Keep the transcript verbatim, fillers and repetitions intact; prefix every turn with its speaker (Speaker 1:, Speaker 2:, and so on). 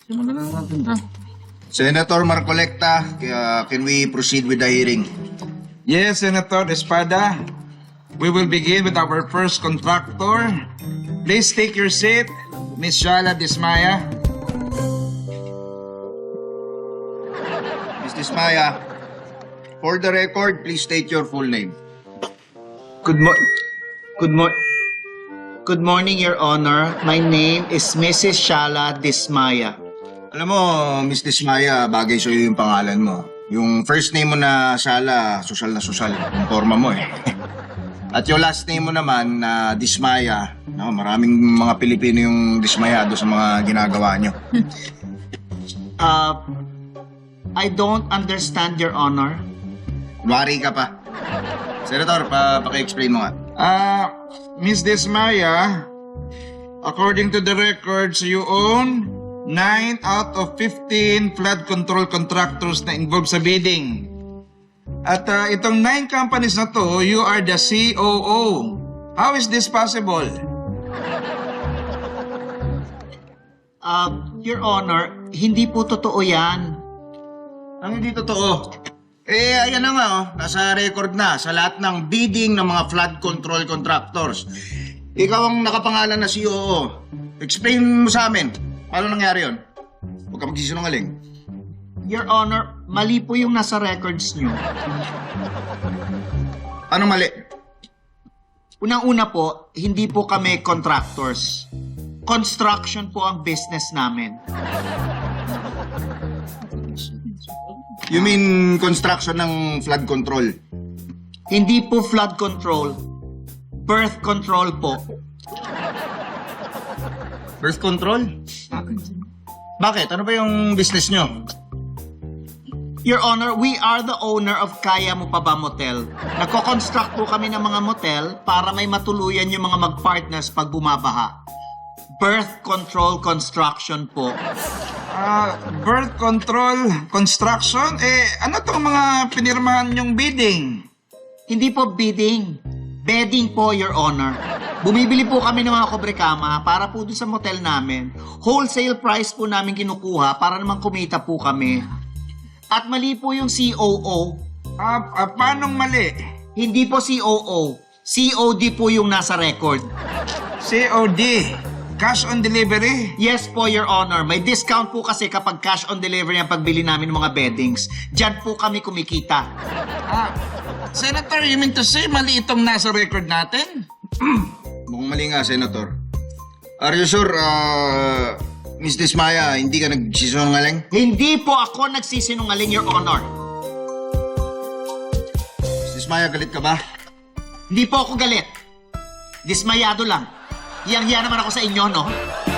Speaker 1: Senator Marcolecta, uh, can we proceed with the hearing?
Speaker 2: Yes, Senator Espada. We will begin with our first contractor. Please take your seat, Miss Shala Dismaya.
Speaker 1: Miz Dismaya, for the record, please state your full name.
Speaker 3: Good mo Good mo Good morning, Your Honor. My name is Missus Shala Dismaya.
Speaker 1: Alam mo, Miz Dismaya, bagay sa'yo yung pangalan mo. Yung first name mo na Sala, social na social. Yung forma mo eh. At yung last name mo naman na Dismaya, no, maraming mga Pilipino yung dismayado sa mga ginagawa nyo.
Speaker 3: Uh, I don't understand, Your Honor.
Speaker 1: Wari ka pa. Senator, pa paki-explain mo nga.
Speaker 2: Ah, Miss Dismaya, according to the records, you own nine out of fifteen flood control contractors na involved sa bidding. At ah, itong nine companies na to, you are the C O O. How is this possible?
Speaker 3: Uh, Your Honor, hindi po totoo yan.
Speaker 1: Ang hindi totoo. Eh, ayan na nga, oh. Nasa record na sa lahat ng bidding ng mga flood control contractors. Ikaw ang nakapangalan na C O O. Explain mo sa amin. Paano nangyari yun? Huwag ka magsisinungaling.
Speaker 3: Your Honor, mali po yung nasa records nyo.
Speaker 1: Paano mali?
Speaker 3: Unang-una po, hindi po kami contractors. Construction po ang business namin.
Speaker 1: You mean construction ng flood control?
Speaker 3: Hindi po flood control. Birth control po.
Speaker 1: Birth control? Bakit? Ano ba yung business nyo?
Speaker 3: Your Honor, we are the owner of Kaya Mo Pa Ba Motel. Nagko-construct po kami ng mga motel para may matuluyan yung mga mag-partners pag bumabaha. Birth control construction po.
Speaker 2: Ah, birth control construction? Eh, ano tong mga pinirmahan yung bidding?
Speaker 3: Hindi po bidding. Bedding po, Your Honor. Bumibili po kami ng mga kobrekama para po dun sa motel namin. Wholesale price po namin kinukuha para naman kumita po kami. At mali po yung C O O.
Speaker 2: Ah, ah paanong mali?
Speaker 3: Hindi po C O O. C O D po yung nasa record.
Speaker 2: C O D, cash on delivery?
Speaker 3: Yes po, Your Honor. May discount po kasi kapag cash on delivery ang pagbili namin ng mga beddings. Diyan po kami kumikita.
Speaker 2: Ah, Senator, you mean to say mali itong nasa record natin?
Speaker 1: Mukhang mali nga, Senator. Are you sure, uh, Miss Dismaya, hindi ka nagsisinungaling?
Speaker 3: Hindi po ako nagsisinungaling, Your Honor.
Speaker 1: Miss Dismaya, galit ka ba?
Speaker 3: Hindi po ako galit. Dismayado lang. Hiyang-hiya naman ako sa inyo, no?